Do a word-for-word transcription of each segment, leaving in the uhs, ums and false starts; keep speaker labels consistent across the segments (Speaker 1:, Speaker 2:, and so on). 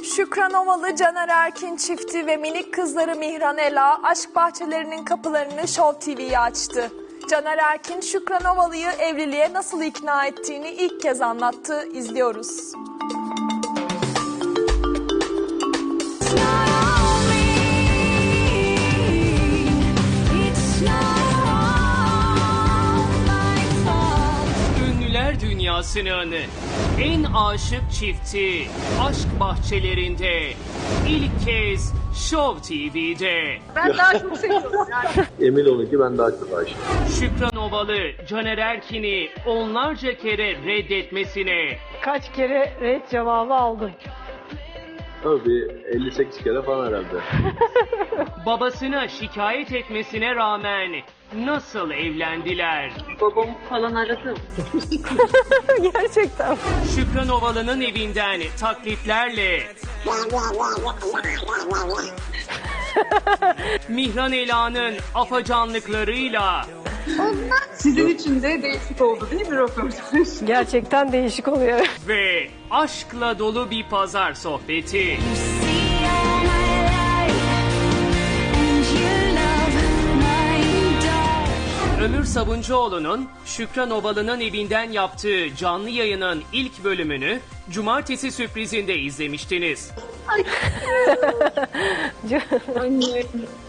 Speaker 1: Şükran Ovalı, Caner Erkin çifti ve minik kızları Mihran Ela aşk bahçelerinin kapılarını Show T V'ye açtı. Caner Erkin, Şükran Ovalı'yı evliliğe nasıl ikna ettiğini ilk kez anlattı. İzliyoruz.
Speaker 2: Ünlüler dünyasının en aşık çifti aşk bahçelerinde ilk kez Show T V'de.
Speaker 3: Ben daha çok seviyorum yani.
Speaker 4: Emin olun ki ben daha çok aşığım.
Speaker 2: Şükran Ovalı, Caner Erkin'i onlarca kere reddetmesine,
Speaker 5: Kaç kere red cevabı aldım.
Speaker 4: Tabii elli sekiz kere falan herhalde.
Speaker 2: babasına şikayet etmesine rağmen nasıl evlendiler?
Speaker 3: Babamı falan aradım.
Speaker 5: Gerçekten.
Speaker 2: Şükran Ovalı'nın evinden taklitlerle Mihran Ela'nın afacanlıklarıyla
Speaker 3: Sizin için de değişik oldu değil mi röportaj?
Speaker 5: Gerçekten değişik oluyor.
Speaker 2: ve aşkla dolu bir pazar sohbeti. Ömür Sabuncuoğlu'nun Şükran Ovalı'nın evinden yaptığı canlı yayının ilk bölümünü Cumartesi sürprizinde izlemiştiniz.
Speaker 3: Anne.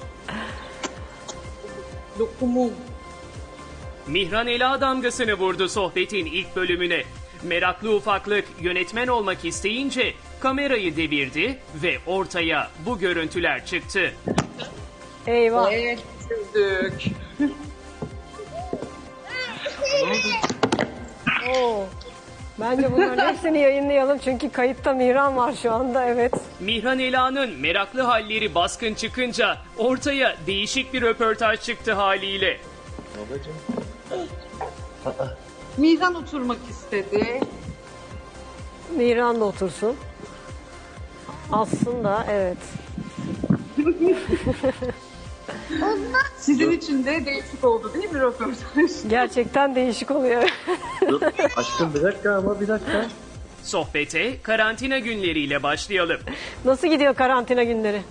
Speaker 3: Lokumum.
Speaker 2: Mihran Ela damgasını vurdu sohbetin ilk bölümüne. Meraklı ufaklık yönetmen olmak isteyince kamerayı devirdi ve ortaya bu görüntüler çıktı.
Speaker 5: Eyvah.
Speaker 3: Evet, sürdük.
Speaker 5: Oo. Bence bunların hepsini yayınlayalım çünkü kayıtta Mihran var şu anda, evet.
Speaker 2: Mihran Ela'nın meraklı halleri baskın çıkınca ortaya değişik bir röportaj çıktı haliyle.
Speaker 4: Babacığım.
Speaker 3: Mihran oturmak istedi.
Speaker 5: Mihran da otursun. Aslında evet.
Speaker 3: Sizin için de değişik oldu değil mi röportaj?
Speaker 5: Gerçekten değişik oluyor.
Speaker 4: Dur aşkım bir dakika ama bir dakika.
Speaker 2: Sohbete karantina günleriyle başlayalım.
Speaker 5: Nasıl gidiyor karantina günleri?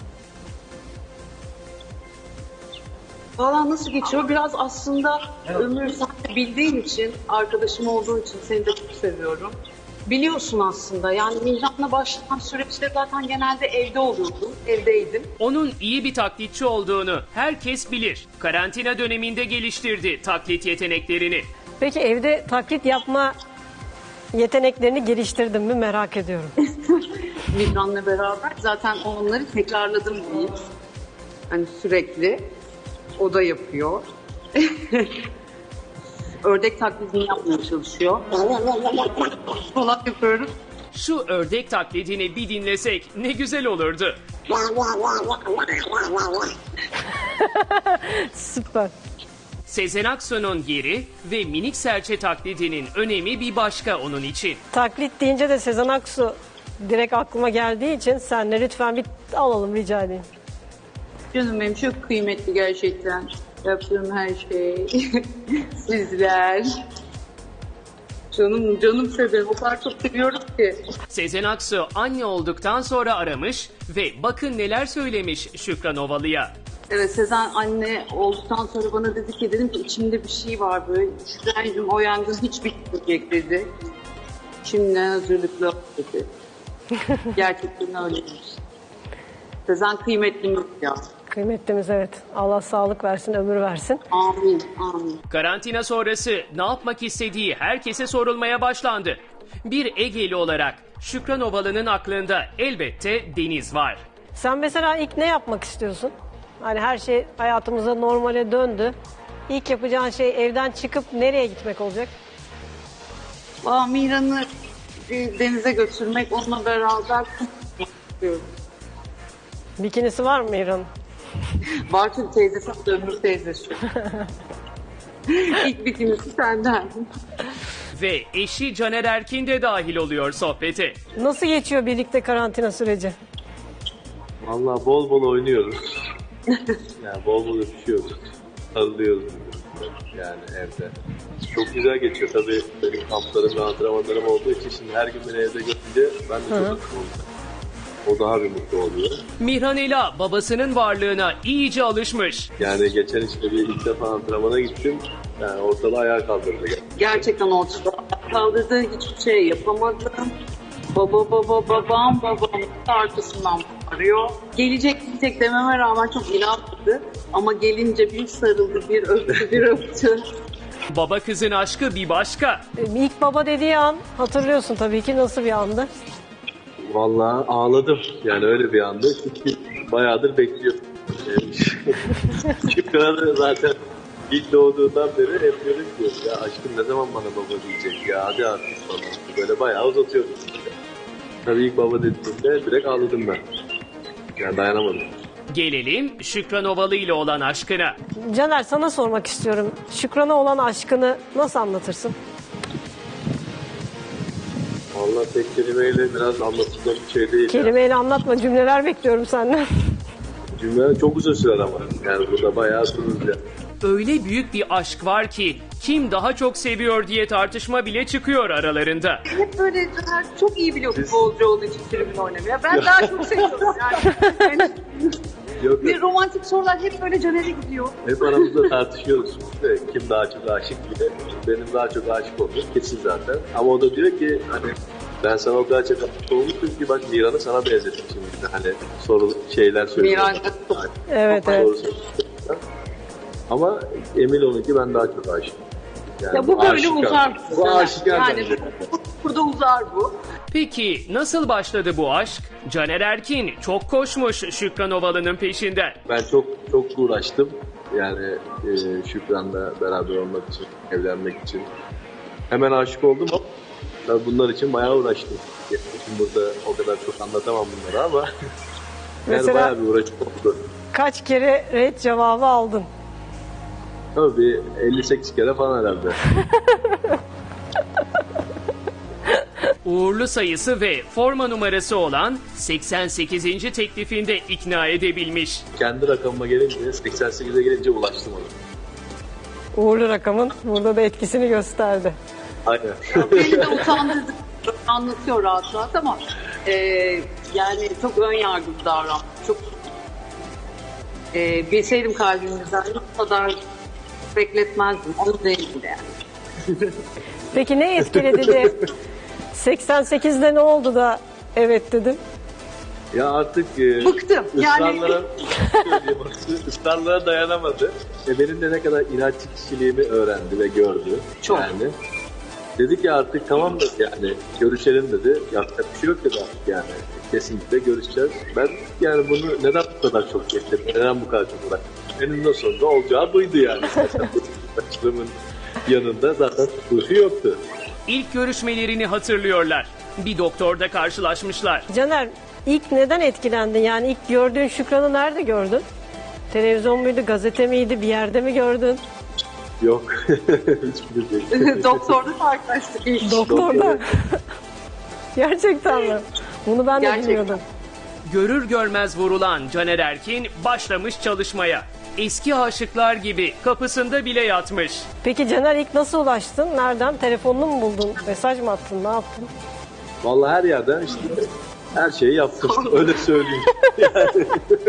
Speaker 3: Valla nasıl geçiyor? Biraz aslında Ömür sen de bildiğin için, arkadaşım olduğu için seni de çok seviyorum. Biliyorsun aslında yani Mihran'la başlayan süreçte zaten genelde evde oluyordum, evdeydim.
Speaker 2: Onun iyi bir taklitçi olduğunu herkes bilir. Karantina döneminde geliştirdi taklit yeteneklerini.
Speaker 5: Peki evde taklit yapma yeteneklerini geliştirdin mi merak ediyorum.
Speaker 3: Mihran'la beraber zaten onları tekrarladım diyeyim. Hani sürekli o da yapıyor. Ördek taklidini yapmaya çalışıyor. Falan yapıyorum.
Speaker 2: Şu ördek taklidini bir dinlesek ne güzel olurdu.
Speaker 5: Süper.
Speaker 2: Sezen Aksu'nun yeri ve minik serçe taklidinin önemi bir başka onun için.
Speaker 5: Taklit deyince de Sezen Aksu direkt aklıma geldiği için senle lütfen bir alalım rica edeyim.
Speaker 3: Canım benim çok kıymetli gerçekten. Yaptığım her şey. Sizler. Canım canım severim. O kadar çok seviyorum ki.
Speaker 2: Sezen Aksu anne olduktan sonra aramış ve bakın neler söylemiş Şükran Ovalı'ya.
Speaker 3: Evet Sezen anne olduktan sonra bana dedi ki dedim ki içimde bir şey var böyle. Şükran'cığım o yangın hiç bitmeyecek dedi. Şimdiden hazırlıklı ol dedi. Gerçekten öyleymiş. Sezen kıymetlimiz ya.
Speaker 5: Kıymetlimiz evet. Allah sağlık versin, ömür versin.
Speaker 3: Amin, amin.
Speaker 2: Karantina sonrası ne yapmak istediği herkese sorulmaya başlandı. Bir Egeli olarak Şükran Ovalı'nın aklında elbette deniz var.
Speaker 5: Sen mesela ilk ne yapmak istiyorsun? Hani her şey hayatımıza normale döndü. İlk yapacağın şey evden çıkıp nereye gitmek olacak?
Speaker 3: Aa, Mihran'ı bir denize götürmek, onunla beraber istiyorum.
Speaker 5: Bikinisi var mı Mihran'ın?
Speaker 3: Bartın teyzesi, Ömür teyzesi. İlk bikinisi senden.
Speaker 2: Ve eşi Caner Erkin de dahil oluyor sohbete.
Speaker 5: Nasıl geçiyor birlikte karantina süreci?
Speaker 4: Vallahi bol bol oynuyoruz. Yani bol bol öpüşüyoruz. Sarılıyoruz birbirimize yani evde. Çok güzel geçiyor tabii benim kamplarım ve antrenmanlarım olduğu için şimdi her gün beni evde görünce ben de çok mutlu oldum. O daha bir mutlu oluyor.
Speaker 2: Mihran Ela babasının varlığına iyice alışmış.
Speaker 4: Yani geçen işte bir ilk defa antrenmana gittim. Yani ortada ayağa kaldırdı.
Speaker 3: Gerçekten ortada kaldırdı, hiçbir şey yapamadım. Baba baba babam babam arkasından arıyor. Gelecek gidecek dememe rağmen çok inanmadı. Ama gelince bir sarıldı, bir öptü, bir öptü.
Speaker 2: Baba kızın aşkı bir başka.
Speaker 5: E, İlk baba dediği an hatırlıyorsun tabii ki, nasıl bir andı?
Speaker 4: Vallahi ağladım. Yani öyle bir anda. Çünkü bayağıdır bekliyordum. Şükran da zaten ilk doğduğundan beri hep diyorum ki ya aşkım ne zaman bana baba diyecek ya hadi artık falan. Böyle bayağı uzatıyordum. Tabii ilk baba dediğimde direkt ağladım ben. Yani dayanamadım.
Speaker 2: Gelelim Şükran Ovalı ile olan aşkına.
Speaker 5: Caner, sana sormak istiyorum. Şükran'a olan aşkını nasıl anlatırsın?
Speaker 4: Vallahi tek kelimeyle biraz anlatılacak bir şey değil.
Speaker 5: Kelimeyle anlatma, cümleler bekliyorum senden.
Speaker 4: Yani. Cümle çok uzun sürer ama. Yani burada bayağı sürüz.
Speaker 2: Öyle büyük bir aşk var ki kim daha çok seviyor diye tartışma bile çıkıyor aralarında.
Speaker 3: Hep böyle Caner çok iyi biliyor futbolcu olduğu için tribün oynamaya. Ben daha çok seviyorum yani. Yani
Speaker 4: Yok
Speaker 3: bir
Speaker 4: yok.
Speaker 3: romantik sorular hep böyle Caner'e gidiyor.
Speaker 4: Hep aramızda tartışıyoruz. İşte kim daha çok aşık diye. Benim daha çok aşık olduğum kesin zaten. Ama o da diyor ki hani ben sana o kadar çok aşık olmuşum ki bak Miran'ı sana benzettim şimdi. Hani soru şeyler söylüyor.
Speaker 3: Miran.
Speaker 5: Evet, evet.
Speaker 4: Doğru söylüyorsun. Ama emin olun ki ben daha çok aşığım. Yani
Speaker 3: Ya bu böyle
Speaker 4: aşikar.
Speaker 3: uzar.
Speaker 4: Bu aşikar
Speaker 3: yani
Speaker 4: bence.
Speaker 3: bu, burada uzar bu.
Speaker 2: Peki nasıl başladı bu aşk? Caner Erkin çok koşmuş Şükran Ovalı'nın peşinden.
Speaker 4: Ben çok çok uğraştım. Yani e, Şükran'la beraber olmak için, evlenmek için. Hemen aşık oldum ama tabii bunlar için bayağı uğraştım. Şimdi burada o kadar çok anlatamam bunları ama yani
Speaker 5: Mesela-
Speaker 4: bayağı bir uğraşım oldu.
Speaker 5: Kaç kere red cevabı aldın?
Speaker 4: Tabii bir elli sekiz kere falan herhalde.
Speaker 2: Uğurlu sayısı ve forma numarası olan seksen sekizinci teklifinde ikna edebilmiş.
Speaker 4: Kendi rakamıma gelince, seksen sekize gelince ulaştım ona.
Speaker 5: Uğurlu rakamın burada da etkisini gösterdi.
Speaker 4: Aynen.
Speaker 3: Beni de utandırdı. Anlatıyor rahat rahat ama e, yani çok ön yargılı davranmış. Çok e, bilseydim kalbimizden bu kadar bekletmezdim. Onu değildi yani.
Speaker 5: Peki ne etkiledi de seksen sekizde ne oldu da evet dedin?
Speaker 4: Ya artık e,
Speaker 3: Bıktım. Yani-
Speaker 4: ısrarlara, ısrarlara dayanamadı. E, benim de ne kadar inatçı kişiliğimi öğrendi ve gördü.
Speaker 3: Çok.
Speaker 4: Yani. Dedi ki artık tamam da yani görüşelim dedi. Yapacak bir şey yok dedi artık yani. Kesinlikle görüşeceğiz. Ben yani bunu neden bu kadar çok bekledim? Neden bu kadar çok uğraştım? Eninde sonunda olacağı buydu yani. Başlığımın yanında zaten tutuşu yoktu.
Speaker 2: İlk görüşmelerini hatırlıyorlar. Bir doktorda karşılaşmışlar.
Speaker 5: Caner, ilk neden etkilendin? Yani ilk gördüğün Şükran'ı nerede gördün? Televizyon muydu, gazete miydi, bir yerde mi gördün?
Speaker 4: Yok. Hiçbir şey.
Speaker 3: Doktorda karşılaştık ilk.
Speaker 5: Doktorda. Gerçekten mi? Bunu ben de
Speaker 3: Gerçekten.
Speaker 5: bilmiyordum.
Speaker 2: Görür görmez vurulan Caner Erkin başlamış çalışmaya. Eski aşıklar gibi kapısında bile yatmış.
Speaker 5: Peki Caner, ilk nasıl ulaştın? Nereden? Telefonunu mu buldun? Mesaj mı attın? Ne yaptın?
Speaker 4: Vallahi her yerden işte her şeyi yaptım. Öyle söyleyeyim. Yani.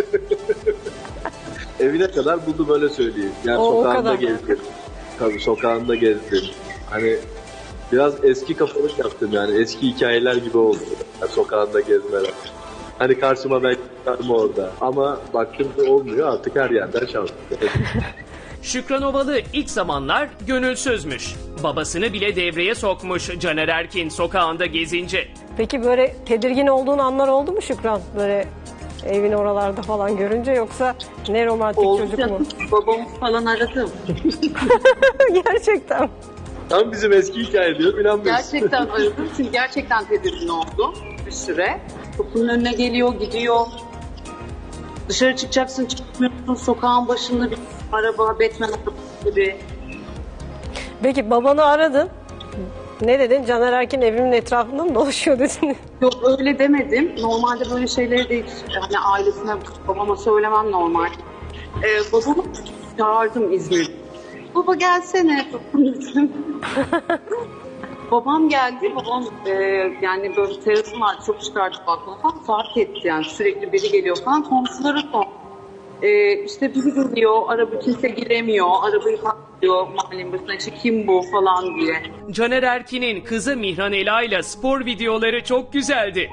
Speaker 4: Evine kadar buldum öyle söyleyeyim. Yani
Speaker 5: O- o
Speaker 4: sokağında
Speaker 5: kadar.
Speaker 4: gezdim. Tabii sokağında gezdim. Hani biraz eski kafalık yaptım yani. Eski hikayeler gibi oldu. Yani sokağında gezmeler. Hani karşıma ben çıkardım orada. Ama baktım ki olmuyor artık her yerden şanslı.
Speaker 2: Şükran Ovalı ilk zamanlar gönülsüzmüş. Babasını bile devreye sokmuş Caner Erkin sokağında gezince.
Speaker 5: Peki böyle tedirgin olduğun anlar oldu mu Şükran? Böyle evin oralarda falan görünce, yoksa ne romantik
Speaker 3: Oldu
Speaker 5: çocuk
Speaker 3: canım.
Speaker 5: mu?
Speaker 3: Babamı falan aradım.
Speaker 5: Gerçekten.
Speaker 4: Tam bizim eski hikaye diyor inanmıyorsun.
Speaker 3: Gerçekten aradım çünkü gerçekten tedirgin oldum bir süre. Kapının önüne geliyor, gidiyor. Dışarı çıkacaksın, çıkmıyorsun. Sokağın başında bir araba, Batman arabası gibi.
Speaker 5: Peki babanı aradın. Ne dedin? Caner Erkin evimin etrafında mı dolaşıyor dedin?
Speaker 3: Yok öyle demedim. Normalde böyle şeyleri de hiç hani ailesine, babama söylemem normal. Ee, babamı çağırdım İzmir'de. Baba gelsene. babam geldi. Babam e, yani böyle terasım var. Çok çıkardı balkona falan. Fark etti yani. Sürekli biri geliyor falan. Komşuları sor. E, işte biri geliyor. Araba kimse giremiyor. Arabayı patlıyor. Mahallenin başına. İşte kim bu falan diye.
Speaker 2: Caner Erkin'in kızı Mihran Ela ile spor videoları çok güzeldi.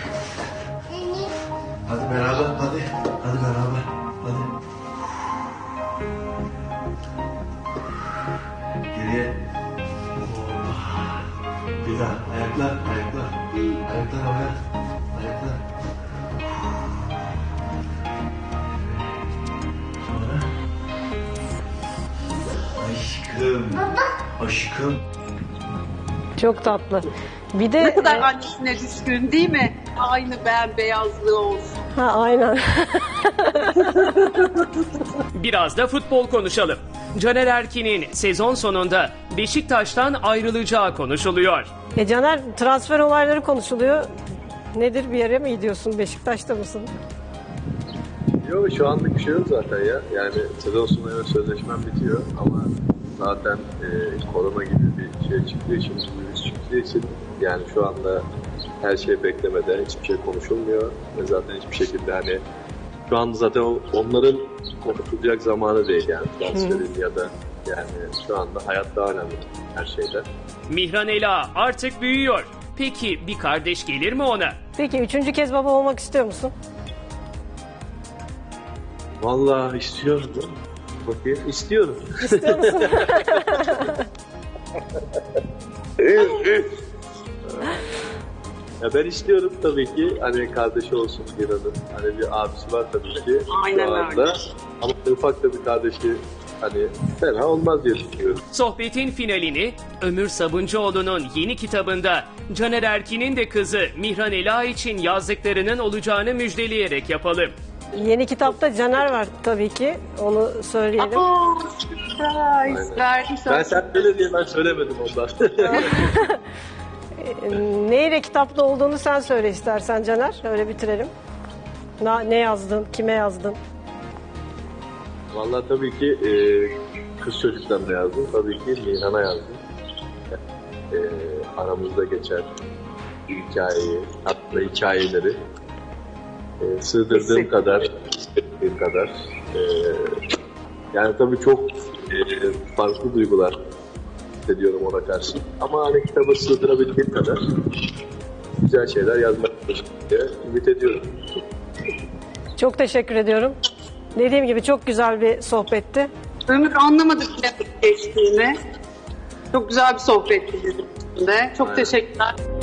Speaker 6: Hadi beraber, hadi. Hadi beraber, hadi. Geriye. Hoppa. Bir daha. Ayaklar, ayaklar. Ayaklar havaya. Ayaklar. Sonra. Aşkım. Aşkım.
Speaker 5: Çok tatlı. Bir de
Speaker 3: Ne kadar
Speaker 5: e,
Speaker 3: annesine düşkün değil mi? Aynı bembeyazlığı olsun.
Speaker 5: ha, aynen.
Speaker 2: Biraz da futbol konuşalım. Caner Erkin'in sezon sonunda Beşiktaş'tan ayrılacağı konuşuluyor.
Speaker 5: E Caner, transfer olayları konuşuluyor. Nedir, bir yere mi gidiyorsun? Beşiktaş'ta mısın?
Speaker 4: Yok şu anlık bir şey yok zaten ya. Yani sezon sonu sözleşmem bitiyor ama zaten e, korona gibi bir şey çıktığı için, virüs çıktığı için yani şu anda her şey beklemede, hiçbir şey konuşulmuyor ve zaten hiçbir şekilde hani şu anda zaten o- onların konuşulacak zamanı değil yani transferin ya da yani şu anda hayat daha önemli her şeyden.
Speaker 2: Mihran Ela artık büyüyor. Peki bir kardeş gelir mi ona?
Speaker 5: Peki üçüncü kez baba olmak istiyor musun?
Speaker 4: Vallahi istiyorum. Bakayım istiyorum.
Speaker 5: İstiyor musun?
Speaker 4: Ya ben istiyorum tabii ki hani kardeşi olsun Mira'nın. Hani bir abisi var tabii ki
Speaker 3: Aynen
Speaker 4: şu anda.
Speaker 3: öyle.
Speaker 4: Ama ufak da bir kardeşi hani fena olmaz diye düşünüyorum.
Speaker 2: Sohbetin finalini Ömür Sabuncuoğlu'nun yeni kitabında Caner Erkin'in de kızı Mihran Ela için yazdıklarının olacağını müjdeleyerek yapalım.
Speaker 5: Yeni kitapta Caner var tabii ki. Onu söyleyelim.
Speaker 3: Aa, surprise. Verdim
Speaker 4: Ben
Speaker 3: sana.
Speaker 4: sen böyle diye ben söylemedim ondan.
Speaker 5: Neyle kitapta olduğunu sen söyle istersen Caner. Öyle bitirelim. Na- Ne yazdın? Kime yazdın?
Speaker 4: Vallahi tabii ki e, kız çocuklarına yazdım. Tabii ki Nihan'a yazdım. E, aramızda geçen hikayeyi, hatta hikayeleri e, sığdırdığım
Speaker 3: Kesin.
Speaker 4: kadar, istediğim kadar. E, yani tabii çok e, farklı duygular hissediyorum ona karşı. Ama hani kitaba sığdırabildiğim kadar güzel şeyler yazmak diye ümit ediyorum.
Speaker 3: Çok
Speaker 5: teşekkür ediyorum. Dediğim gibi çok güzel bir sohbetti.
Speaker 3: Ömür anlamadık ne geçtiğini. Çok güzel bir sohbetti bizim için de. Çok
Speaker 4: Aynen.
Speaker 3: teşekkürler.